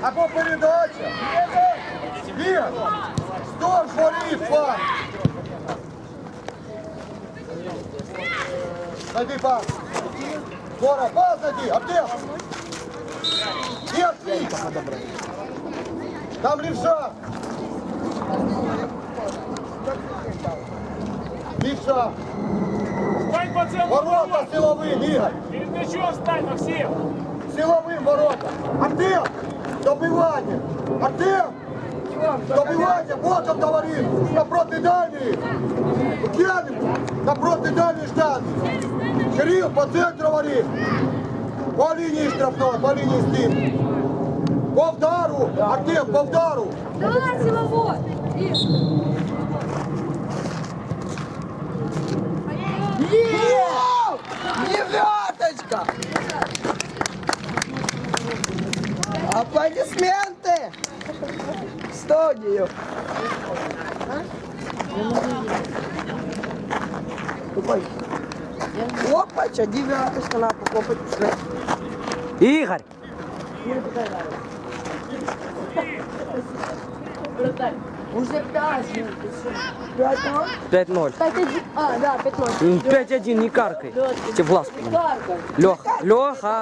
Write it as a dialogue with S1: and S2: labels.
S1: Або передача. Є. Стоп, воріт, пан. Найди пас. Скоро, пас найди. Артем. Нет, там левша. Левша.
S2: Стань по центру
S1: Ворота силовым, Игорь.
S2: Перед мячом стань, Максим.
S1: Силовым ворота. Артем. Добивание. Артем. Добивание. Вот он говорит. Напротив дальней. Киянин. Напротив дальней штанги. Кирилл по центру говорит. По линии штрафной, по линии стиль. По вдару. Артем, по вдару.
S3: Давай, силовой!
S4: Девяточка! Аплодисменты! В студию! Опача, девяточка, надо покопать.
S5: Игорь!
S3: Уже 5 минут.
S4: 5-0.
S5: 5-0.
S3: 5-1. А, да, 5-0.
S5: 5-1, не каркай. Тебе в глаз.
S3: Карка.
S5: Леха. Леха.